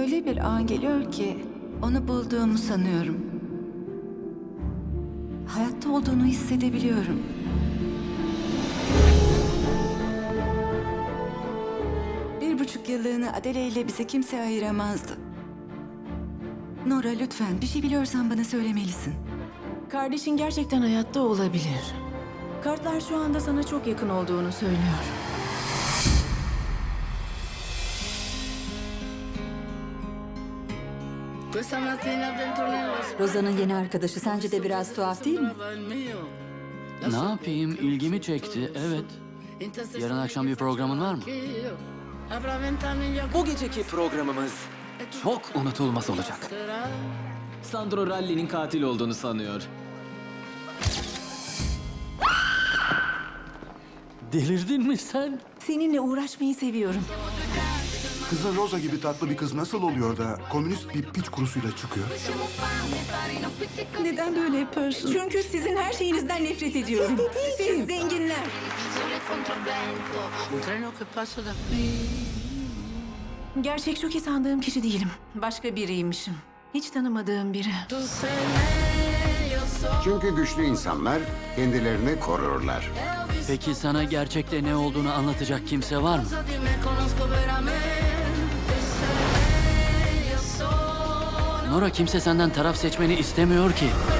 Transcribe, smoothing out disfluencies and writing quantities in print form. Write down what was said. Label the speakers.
Speaker 1: Öyle bir an geliyor ki onu bulduğumu sanıyorum. Hayatta olduğunu hissedebiliyorum. Bir buçuk yıllığını Adele ile bize kimse ayıramazdı. Nora lütfen bir şey biliyorsan bana söylemelisin.
Speaker 2: Kardeşin gerçekten hayatta olabilir. Kartlar şu anda sana çok yakın olduğunu söylüyor.
Speaker 3: Roza'nın yeni arkadaşı sence de biraz tuhaf değil mi?
Speaker 4: Ne yapayım? İlgimi çekti, evet. Yarın akşam bir programın var mı?
Speaker 5: Bu geceki programımız çok unutulmaz olacak.
Speaker 6: Sandro Ralli'nin katil olduğunu sanıyor.
Speaker 4: Delirdin mi sen?
Speaker 2: Seninle uğraşmayı seviyorum.
Speaker 7: Kızın Rosa gibi tatlı bir kız nasıl oluyor da komünist bir piç kurusuyla çıkıyor?
Speaker 2: Neden böyle yapıyorsun? Çünkü sizin her şeyinizden nefret ediyorum. Siz zenginler. Gerçek şu ki sandığım kişi değilim. Başka biriymişim. Hiç tanımadığım biri.
Speaker 8: Çünkü güçlü insanlar kendilerini korurlar.
Speaker 4: Peki sana gerçekte ne olduğunu anlatacak kimse var mı? Nora, kimse senden taraf seçmeni istemiyor ki.